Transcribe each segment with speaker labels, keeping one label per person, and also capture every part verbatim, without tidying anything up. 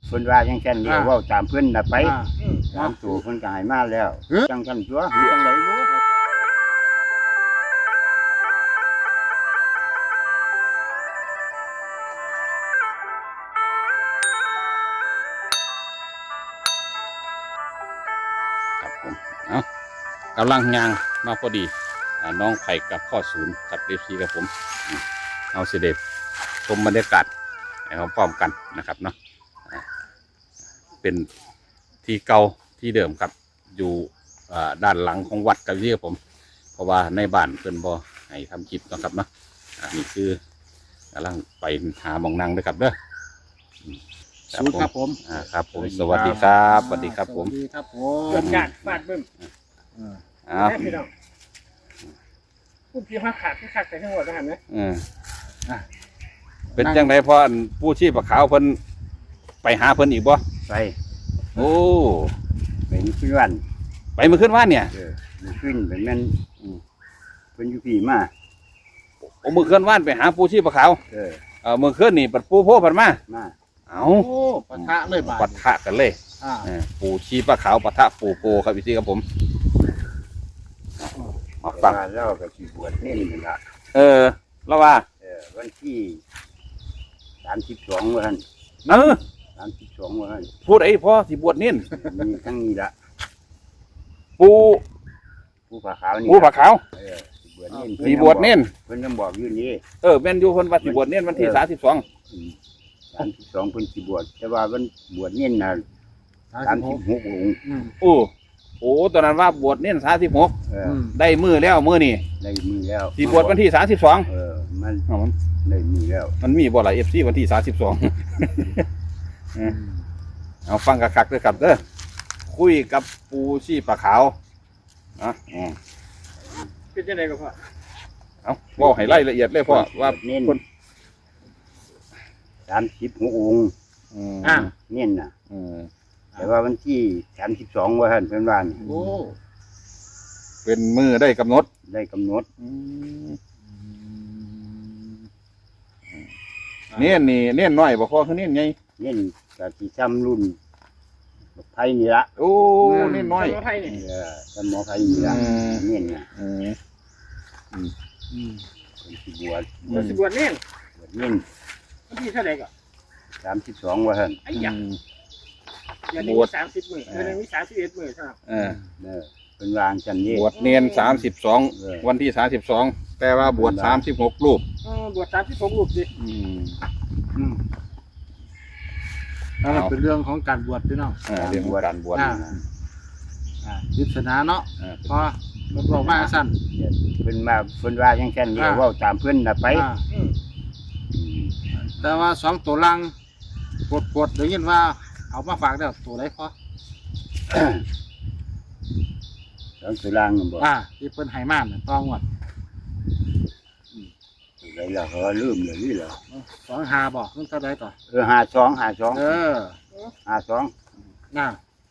Speaker 1: เพิ่นว่าจังซั่นเดียวเว้าตามเพิ่นน่ะไป
Speaker 2: อ่า
Speaker 1: ตามตัวเพิ่นก็ให้มาแล้ว
Speaker 2: เอ้อ
Speaker 1: จังซั่นตัวมีจังไดบ่
Speaker 3: ครับผมเอากำลังยางมาพอดีอ่าน้องไผ่กับพ่อศูนย์กับเอฟซีกับผมอืมเอาเสด็จชมบรรยากาศให้พร้อมๆกันนะครับเนาะอ่าเป็นที่เก่าที่เดิมครับอยู่อ่าด้านหลังของวัดกับที่ผม เพราะว่าในบ้านเพิ่นบ่ให้ทำคลิปเนาะครับเนาะอ่านี่คือกำลังไปหาหมองนั่งด้วยครับเด้ออืม
Speaker 2: ศูนย์ครับผม
Speaker 3: อ่าครับผมสวัสดีครับสวัสดีครับผม
Speaker 2: สวัสดีครับผ
Speaker 4: เกิ
Speaker 2: ม
Speaker 4: ดการฟาดบึ้ม
Speaker 2: เออ
Speaker 3: อ้าว
Speaker 4: แม่พี่น้องพูดพี่ว่าขาดที่ขาดแต่ทั้งหมดนะครับเนี่ย
Speaker 3: เอออ่ะเป็นจังไดพ่ออันผู้ชีพขาวเพิ่นไปหาเพิ่นอีกบ่
Speaker 1: ไป
Speaker 3: โอ้
Speaker 1: ไปนี่คือวัน
Speaker 3: ไปเมื่อคืนว่านเนี่ย
Speaker 1: เออมันขึ้นไปแม่นอืมเพิ่นอยู่พี่มา
Speaker 3: โอ้เมื่อคืนว่านไปหาผู้ชีพขาว
Speaker 1: เออ
Speaker 3: เออเมื่อคืนนี่ปัดปูโพผันมา
Speaker 1: มา
Speaker 3: เอา
Speaker 2: โอ้ปะทะเลยบาด
Speaker 3: ปะทะกันเลย
Speaker 2: อ่า
Speaker 3: เออปู่ชีพขาวปะทะปู่โกครับพี่ซี่ครับผมมาฟัง
Speaker 1: ว่าเราก็สิบวชเน้นนั่นล่ะ
Speaker 3: เออแล้วว่า
Speaker 1: เออวันที่สามสิบสองว่าหั่น
Speaker 3: เออ
Speaker 1: สามสิบสองว่าหั่น
Speaker 3: พูดไอ้พ่อสิบวชเน้น
Speaker 1: มีทั้งนี้ละ
Speaker 3: ปู่
Speaker 1: ผู้ผาขาวนี่
Speaker 3: ปู่ผาขาว
Speaker 1: เออสิบวชเน้น
Speaker 3: สีบวชเน้น
Speaker 1: เพิ่นยังบอกอยู่นี่
Speaker 3: เออแม่นอยู่เพิ่นว่าสิบวชเน้นวันที่สามสิบสอง
Speaker 1: สามสิบสองเพิ่นสิบวชแต่ว่าวันบวชเน้นน่ะสามสิบหกองค์
Speaker 2: อืม
Speaker 3: โอ้โอ้ตอนนั้นว่าบวชเน้นสามสิบหก
Speaker 1: เออ
Speaker 2: อืม
Speaker 3: ได้มือแล้วมือนี่
Speaker 1: ได้มือแล้ว
Speaker 3: สีบวชวันที่สามสิบสอง
Speaker 1: เออมันได้มือแล้ว
Speaker 3: มันมีบ่หลายเอฟซีวันที่สามสิบสองเอาฟังกักๆด้วยครับเด้อคุยกับปูชีปลาขาวนะอืม
Speaker 4: เป็นยังไงกับพ่อ
Speaker 3: เอาบอกให้รายละเอียดเลยพ่อว่า
Speaker 1: เน้น
Speaker 3: คน
Speaker 1: สามสิบหกองค์
Speaker 3: อืม
Speaker 2: อ่า
Speaker 1: เน้นน่ะ
Speaker 3: อืม
Speaker 1: แต่ว่าวันที่สามสิบสองว่าท่านเพิ่นว่านี่
Speaker 2: โอ้
Speaker 3: เป็นมือได้กำหนด
Speaker 1: ได้กำหนด
Speaker 3: อืมเน้นนี่เน้นน้อยบ่พ่อคือเน้นไง
Speaker 1: เน้นก็สิซ้ำรุ่นบักไผนี่ละ
Speaker 3: โอ้เน้นน้อย
Speaker 4: สมุไทยเนี่ย
Speaker 1: เออซ้ำหมอไผนี่ละ
Speaker 3: อืม
Speaker 1: เน้นน่ะ
Speaker 3: อืม
Speaker 2: อืม
Speaker 1: เพิ่นสิบวช
Speaker 4: บวชสิบวชเนี่ย
Speaker 1: บวชเน้น
Speaker 4: วันที่เท่าไหร่ก่อน
Speaker 1: สามสิบสองว่าท่าน
Speaker 4: ไอ้ยักษ์อย่างนี้
Speaker 3: บวช
Speaker 4: มีสามสิบหมื่นเดือนนึงมีสามสิบเอ็ดหมื่นใช่ไหม
Speaker 3: เออ
Speaker 1: เออเพิ่นวางจันนี้
Speaker 3: บวชเนียนสามสิบสอง
Speaker 1: เออ
Speaker 3: วันที่สามสิบสองแต่ว่าบวชสามสิบหกรูป
Speaker 4: เออบวชสามสิบหกรูปสิ
Speaker 3: อืม
Speaker 2: อืมนั่น
Speaker 3: เอา
Speaker 2: เป็นเรื่องของการบวชพี่น้อง
Speaker 3: เออเรื่องของการบวช
Speaker 2: อ่า อ่ายิศนาเนาะ
Speaker 3: เออ
Speaker 2: พอมันบอกมาสั้น
Speaker 1: เพิ่นมาเพิ่นว่าจังซั่นเดียวเว้าตามเพิ่นน่ะไป
Speaker 2: อ่า
Speaker 4: อืม
Speaker 1: อืม
Speaker 2: แต่ว่าสองตัวลังปวดปวดได้ยินว่า เอามาฝากแล้วตัวไหนพอ
Speaker 1: สองสุรางนั่นบ่
Speaker 2: อ่าที่เพิ่นให้มาน่ะต้องวด
Speaker 1: อะไรล่ะเขาลืมเลยนี่เหรอ
Speaker 2: สองหาบอกมันเท่าไรต่อ
Speaker 1: เออห้าสองห้าสอง
Speaker 2: เออ
Speaker 1: ห้าสอง
Speaker 2: น่า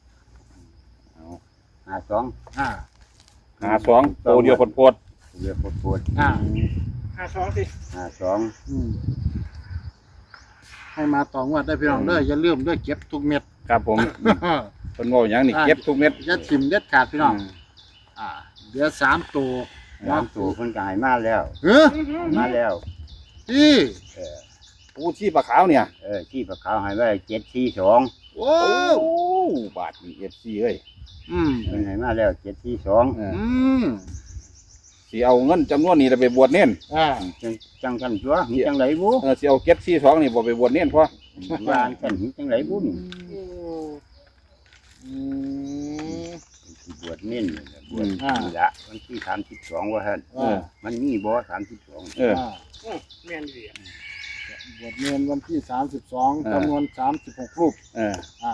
Speaker 1: ห้าสอง
Speaker 2: อ่า
Speaker 3: หาสองโตเดียวโพด
Speaker 1: เรียกปวด
Speaker 2: อ่า
Speaker 4: ห้าสองสิ
Speaker 1: ๆห้าสอง
Speaker 2: อืมให้มาต่องวดได้พี่น้องเด้ออย่าลืมเด้อเก็บทุกเม็ด
Speaker 3: ๆครับผมคนว่าอย่างนี้เก็บทุกเม็ด
Speaker 2: อย่าถิ่มเด็ดขาดพี่น้อง อ่าเดี๋ยวสามตัว
Speaker 1: สามตัวเพิ่นก็ให้มาแล้ว
Speaker 2: เฮ้ย
Speaker 1: มาแล้ว
Speaker 2: ที่
Speaker 1: เออ
Speaker 3: ปูชีปลาขาวเนี่ย
Speaker 1: เออที่ปะเขาให้ไว้เจ็ดสี่สอง
Speaker 2: โอ้
Speaker 3: โอ้บาทมีเอฟซีเอ้ย
Speaker 2: อืม
Speaker 1: เพิ่นให้มาแล้วเจ็ดสี่สอง
Speaker 3: เออ
Speaker 2: อืม
Speaker 3: สิเอาเงินจำนวนนี้ไปบวชเน้น
Speaker 2: อ่า
Speaker 1: จังจังกันตัวมีจังไรบุ
Speaker 3: เออสิเอาเก็ตซีสองนี่บ่ไปบวชเน้นพ่อ
Speaker 1: วางกันมีจังไรบุนี่
Speaker 4: โอ้
Speaker 3: อืม
Speaker 1: สิบวชเน้นบวชนี่ละวันที่สามสิบสองว่าท่าน
Speaker 3: เออ
Speaker 1: มันมีบ่สามสิบสอง
Speaker 3: เออ
Speaker 2: อ่า
Speaker 4: อืมแม่นดีอะ
Speaker 2: บวชเนียนวันที่สามสิบสอง
Speaker 3: เออ
Speaker 2: จำนวนสามสิบหกรูป
Speaker 3: เออ
Speaker 2: อ่า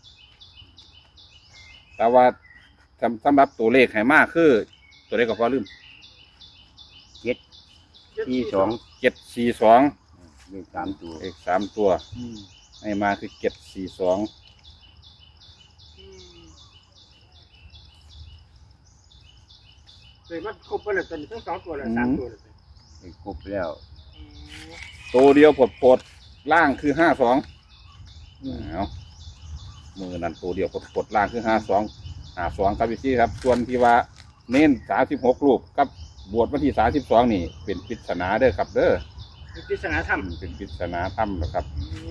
Speaker 3: แต่ว่าสำสำหรับตัวเลขให้มากคือ ตัวเลขก็พอลืม
Speaker 1: สี่สอง
Speaker 3: เจ็ดสี่สอง
Speaker 1: เลขสามตัว
Speaker 3: เลขสามตัว
Speaker 2: อืม
Speaker 3: ให้มาคือเจ็ดสี่สอง
Speaker 4: อืมเลยมันครบไปเลยตอนนี้ทั้งสองตัวเลยสามตัวเลย
Speaker 1: เลขครบแล้ว
Speaker 4: อืม
Speaker 3: ตัวเดียวปลดปลดล่างคือห้าสอง
Speaker 2: อืม
Speaker 3: เอามือนั่นตัวเดียวกดกดล่างคือห้าสองห้าสองครับพี่ซี่ครับส่วนที่ว่าเน้นสามสิบหกรูปกับบวชวันที่สามสิบสองนี่เป็นปริศนาเด้อครับเด้อ
Speaker 4: มีปริศนาธรรม
Speaker 3: เป็นปริศนาธรรมนะครับ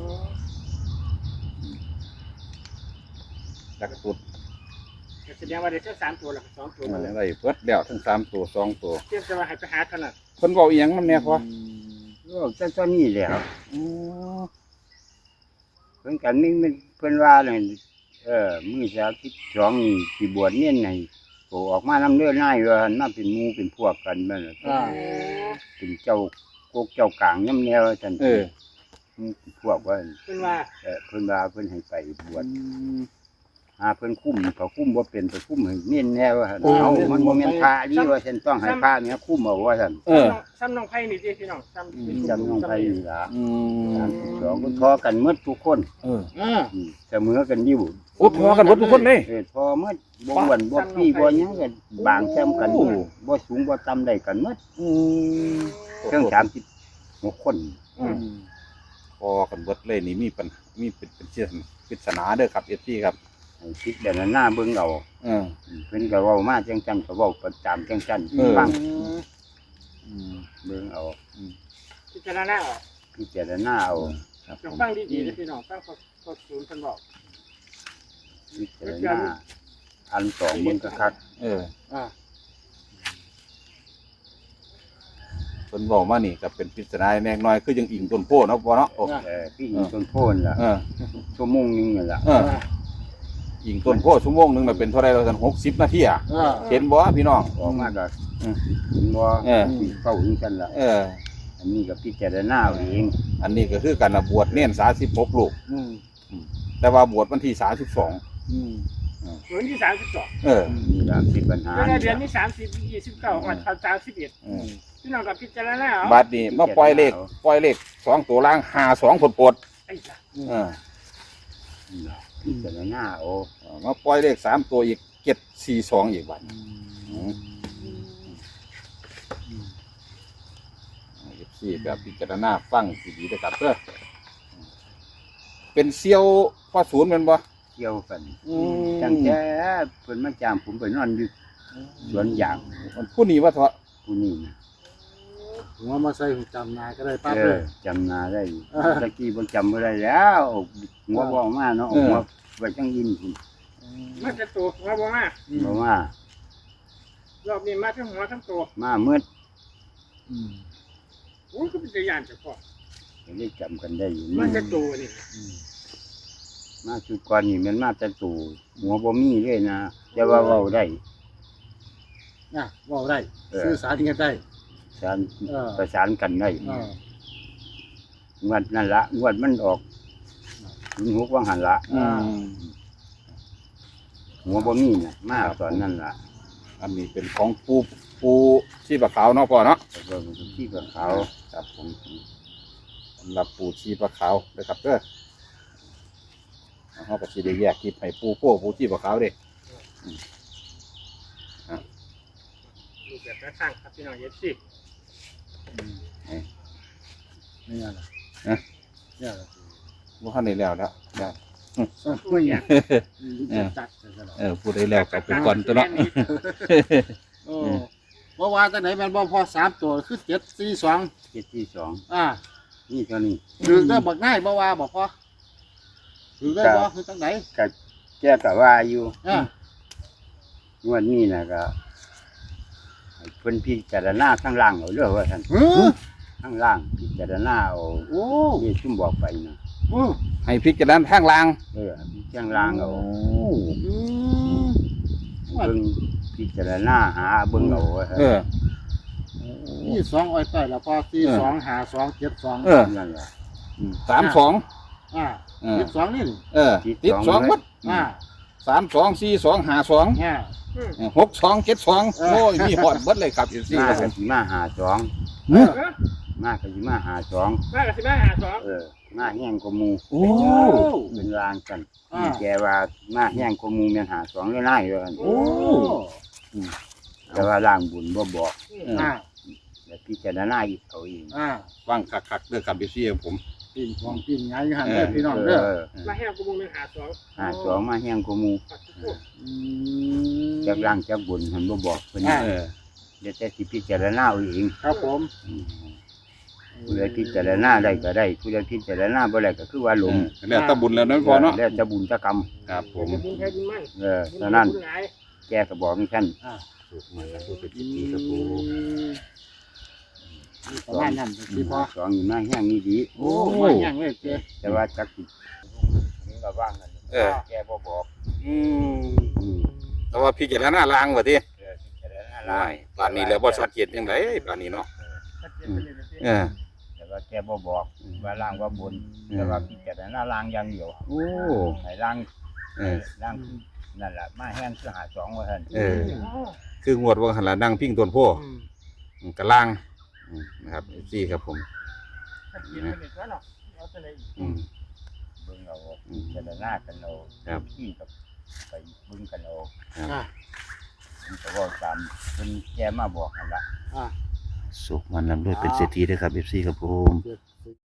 Speaker 3: จักตุด
Speaker 4: แสดงว่าได้ทั้งสามตัวหลักสองตัวมาแล้ว
Speaker 3: อะไรเพิดแล้วทั้งสามตัวสองตัว
Speaker 4: เทียบจะว่าให้ไปหาถนัด
Speaker 3: คนบอกอีหยังน้ำเนี่ยพอ
Speaker 1: ก็จะตอนนี้แหล้ว
Speaker 3: อืม
Speaker 1: เพิ่นกันนี่มันเพิ่นว่าเลยเออมื้อสามสิบสองนี่สิบวชเนี่ยให้โตออกมานำเด้อนายว่าหั่นมาเป็นหมู่เป็นพวกกันแม่นล่ะ
Speaker 2: อ่า
Speaker 1: เป็นเจ้าโกกเจ้ากลางยำแนวซั่น
Speaker 3: เออ
Speaker 1: พวกว่า
Speaker 4: เป็นว่า
Speaker 1: เออเพิ่นว่าเพิ่นให้ไปบวชหาเพิ่นคุ้มเขาคุ้มบ่เป็นไปคุ้มให้เน้นแน่ว่าซั่นเอามันบ่แม่นพระนี่ว่าซั่นต้องให้พระเนี่ยคุ้มเอาว่าซั่น
Speaker 3: เออ
Speaker 4: ซ้ำน้องไผ่นี่ดิพี่น้องซ้ำ
Speaker 1: จำน้องไผนี่ล่ะ
Speaker 3: อืม
Speaker 1: สามสิบสองก็ทอกันหมดทุกคน
Speaker 3: เออ
Speaker 2: อ่า
Speaker 1: อืมเสมอกันอยู่
Speaker 3: โอ้พอกันหมดทุกคนเลย
Speaker 1: เออพอหมดบ่อ้วนบ่พี่บ่หยังกันบางแซมกันหมดบ่สูงบ่ต่ำได้กันหมด
Speaker 3: อืม
Speaker 1: เครื่องสามสิบหกคน
Speaker 3: อืมพอกันเบิดเลยนี่มีปัญมีเป็นเป็นเชื่อปริศนาเด้อครับเอฟซีครับ
Speaker 1: ให้คิดเดี๋ยวนั้นหน้าเบิ่งเอา
Speaker 3: เออ
Speaker 1: อืมเพิ่นก็เว้ามาจังซั่นก็เว้าประจำจังซั่น
Speaker 3: เออ
Speaker 1: ฟัง
Speaker 3: อืม
Speaker 1: เบิ่งเอา
Speaker 4: พิจารณาออก
Speaker 1: พิจารณาเอา
Speaker 3: ครับผ
Speaker 4: ลอง
Speaker 3: ม
Speaker 4: ฟังดีๆเลยพี่น้องฟังข้อข้อศูนย์เพิ่นบอก
Speaker 1: พิจารณาอันสองเบิ่งคัก
Speaker 3: เออ
Speaker 2: อ่า
Speaker 3: เพิ่นบอกมานี่ก็เป็นปริศนาแน่น้อยคือยังอิงต้นโพเนาะพอเนาะโอ้
Speaker 1: ๆเออพี่อีกต้นโพนล่ะ
Speaker 3: เออ
Speaker 1: ชั่วโมงหนึงนั่นล่ะ
Speaker 3: เอออิงต้นโพชั่วโมงหนึงน่ะเป็นเท่าไรเราสันหกสิบนาทีอ่ะ
Speaker 2: อ่า
Speaker 3: เห็นบ่พี่น้อง
Speaker 1: ออกมาก็
Speaker 3: อืม
Speaker 1: เห็นบ่
Speaker 3: เออ
Speaker 1: เข้าถึงซั่นล่ะ
Speaker 3: เออ
Speaker 1: อันนี้ก็พิจารณาเอาเอง
Speaker 3: อันนี้ก็คือการบวชเน้นสามสิบหกลูก
Speaker 2: อืม
Speaker 3: แต่ว่าบวชวันที่สามสิบสอง
Speaker 2: อืม
Speaker 4: เหมือนที่สามสิบสอง
Speaker 3: เออ
Speaker 1: มีหลายสิบปัญหา
Speaker 4: แล้วเดือนนี้สามสิบยี่สิบเก้าวันสามสิบเอ็ด
Speaker 3: เออ
Speaker 4: พี่น้องกับพิจารณาเอา
Speaker 3: บาดนี้มาปล่อยเลขปล่อยเลขสองตัวล่างหาสองผลปด
Speaker 4: ไอ้จ้ะ
Speaker 3: เออ
Speaker 1: พิจารณาเอา
Speaker 3: มาปล่อยเลขสามตัวอีกเจ็ดสี่สองอีกวันสี่แบบพิจารณาฟังดีๆนะครับเพื่อเป็นเซียวพ่อศูนย์เป็นบ่
Speaker 1: เที่ยวกันตั้งแต่เพิ่นมาจามผมไปนอนอยู่สวนยาง
Speaker 3: มันผู้นี้ว่าเถอะ
Speaker 1: ผู้นี้นะ
Speaker 2: หัวมาใส่หูจำนายก็ได้ปั๊บ
Speaker 1: เอ
Speaker 2: เล
Speaker 1: อย จำหนาได้อยู่
Speaker 2: เออ
Speaker 1: ตะกี้บ่จำบ่ได้แล้วหัวบ่ออกมาเนาะ
Speaker 3: เออ
Speaker 1: หัวไว้จังยินพุ่น
Speaker 4: มาจะตัวมาบ่มา
Speaker 1: บ่ว่าร
Speaker 4: อบนี้มาทั้งหัวทั้งตัว
Speaker 1: มามืด
Speaker 2: อืม
Speaker 4: โอ้ยก็เป็นตัวอย่างเฉพาะ
Speaker 1: ก็ได้จำกันได้อยู่
Speaker 4: มาจะตัวนี่
Speaker 1: มาสุดก่อนนี่มันมาแต่ตู่หัวบ่มีเลยนะแต่ว่าเว้าได้
Speaker 2: อ่ะว่าได้
Speaker 1: เออ
Speaker 2: สื่อสารกันได้
Speaker 1: สาร
Speaker 2: เออ
Speaker 1: ประสานกันได้
Speaker 2: อ่าง
Speaker 1: วดนั่นละงวดมันออกถึงหกวังหันละ
Speaker 3: อืม
Speaker 1: หัวบ่มีน่ะมาตอนนั้นล่ะ
Speaker 3: อันนี้เป็นของปูปูชีปลาขาวเนาะพ่อเนาะ
Speaker 1: แล้วก็มันก็ที่กับเขา
Speaker 3: ครับผมสำหรับปูชีปลาขาวเลยครับเด้อเขาก็ชีได้แยกคลิปให้ปูโป้ปูชีปลาขาวเด้
Speaker 4: รูปแบบแนวทางครับพี่น้องเอฟซี
Speaker 2: ไม่ยากหรอก
Speaker 3: นะ
Speaker 2: ยากหรอก
Speaker 3: ว่าขั้นนี้แล้วแล้วแล้ว
Speaker 2: ไม่ยากจัดกันตลอด
Speaker 3: เออพูดได้แล้วกับเป็นก่อนตัวเนาะ
Speaker 2: โอ้เพราะว่าตั้งไหนแมันบ่พอสามตัวคือเจ็ดสี่สอง
Speaker 1: เจ็ดที่สอง
Speaker 2: อ่า
Speaker 1: นี่เท่านี้
Speaker 2: ถือได้บักง่ายบ่ว่าบอกพอถือได้บ่คือตั้งไหน
Speaker 1: ก็แก้กับว่าอยู่
Speaker 2: อ่าง
Speaker 1: วดนี้น่ะก็ให้เพิ่นพิจารณาข้างล่างเอาเด้อว่าท่าน
Speaker 2: เฮ้อ
Speaker 1: ข้างล่างพิจารณาเอา
Speaker 2: โอ้
Speaker 1: ที่ซุ่มบอกไปนะ
Speaker 2: โอ้
Speaker 3: ให้พริกจะด้านข้างล่าง
Speaker 1: เออพิจารณาเอา
Speaker 2: อืม
Speaker 1: เบิ่งพิจารณาหาเบิ่งเอาว่าซั่น
Speaker 3: เออ
Speaker 2: นี่สองอ้อยต้อยแล้วพอสี่สองหาสองเจ็ดสอง
Speaker 3: เออ
Speaker 1: นั่นล่ะ
Speaker 3: สามสอง
Speaker 2: อ่า
Speaker 3: เออ
Speaker 2: เจ็ดสองนี่
Speaker 3: เออติดสองวัด
Speaker 2: อ่า
Speaker 3: สามสองสี่สองหาสอง
Speaker 2: อ่า
Speaker 3: หกสองเจ็ดสอง
Speaker 2: เออ
Speaker 3: โอ้ยมีหอดเบิดเลยครับอยู่สี่
Speaker 1: มา
Speaker 3: ครับผ
Speaker 1: ก็
Speaker 3: ม
Speaker 1: สิมาหาสอง
Speaker 4: เออ
Speaker 1: มาก็สิมาหาสอง
Speaker 4: มากับสิบ้าหาสอง
Speaker 1: เออมาแห้งกว่าหมู่
Speaker 3: โอ้
Speaker 1: เป็นรางกัน
Speaker 2: อ่า
Speaker 1: แกว่ามาแห้งกว่าหมู่แม่นหาสองเลยน่ายว่าซั่น
Speaker 2: โอ้
Speaker 1: แต่ว่าร่างบุญบ่บอก
Speaker 2: อ่า
Speaker 1: แต่พิจารณาอีกเอาเอง
Speaker 2: อ่า
Speaker 3: ฟังคักๆเรื่องกับอยู่สี่ของผม
Speaker 2: ปิ้งของปิ้งไงอยู่หันเด้อพี่น้องเด้อ
Speaker 1: เออ
Speaker 4: มาแห้งกูมึงหนึ่งหาสอง
Speaker 1: หาสองมาแห้งกว่าหมู่
Speaker 4: ปัดทุกพวก
Speaker 2: อืม
Speaker 1: จักล่างจักบนเพิ่นบ่บอกเพิ่น
Speaker 3: เออ
Speaker 1: เดี๋ยวแต่สิพิจารณาเอาเอง
Speaker 2: ครับผม
Speaker 1: อืมผู้ใดพิจารณาได้ก็ได้ผู้ใดพิจารณาบ่ได้ก็คือว่าหลง
Speaker 3: แล้วแตะบุญแล้วนั้นพอเนาะ
Speaker 1: แล้วจะบุญจะกรรม
Speaker 3: ครับผม
Speaker 4: จะบุญแพ้บุญมั่น
Speaker 1: เออเท่านั้น
Speaker 4: บุญหลาย
Speaker 1: แกก็บอกให้ท่าน
Speaker 2: อ่า
Speaker 3: สุขมันแล้วเป็นจิตดีครับผม
Speaker 2: ประมาณนั้นพี่พ่อ
Speaker 1: สองอยู่หน้าแห้งนี่ดี
Speaker 2: โอ้มาแห้งเลยเจ๊
Speaker 1: แต่ว่าจักสินี่ก็ว่างกัน
Speaker 3: เออ
Speaker 1: แกบ่บอก
Speaker 3: อืม
Speaker 1: อืม
Speaker 3: แต่ว่าพี่เจารณาลางว่าติ
Speaker 1: เออพิจารณา
Speaker 3: ได้ป่านนี้แล้วบ่ชัดเจนจังไดป่านนี้เนาะ
Speaker 4: ชัดเจนไปเลยนะพี่
Speaker 3: เออ
Speaker 1: แต่ว่าแกบ่บอกว่าล่างว่าบน
Speaker 3: อืม
Speaker 1: แต่ว่าพิจารณาล่างอย่างเดียว
Speaker 3: โอ้
Speaker 1: ให้ล่าง
Speaker 3: เออ
Speaker 1: ล่างคือนั่นแหละมาแห้งคือหาสองว่าท่าน
Speaker 3: เออ คืองวดว่าหันละนั่งพิงต้นโพ
Speaker 2: อืม
Speaker 3: อืมกะล่างอืมนะครับซี่ครับผม
Speaker 4: ชัดเจนไปเลยว่าเนาะเอาไปเลย
Speaker 3: อืม
Speaker 1: เบิ่งเอาพิจารณากันเอา
Speaker 3: ครับ
Speaker 1: ที่กับไปเบิ่งกันเอา
Speaker 2: อ่า
Speaker 1: ผมก็บอกตามเพิ่นแกมาบอกนั่นล่ะ
Speaker 2: อ่า
Speaker 3: สุขมันลำด้วยเป็นเศรษฐีด้วยครับเอฟซีครับผม
Speaker 2: เจ็ด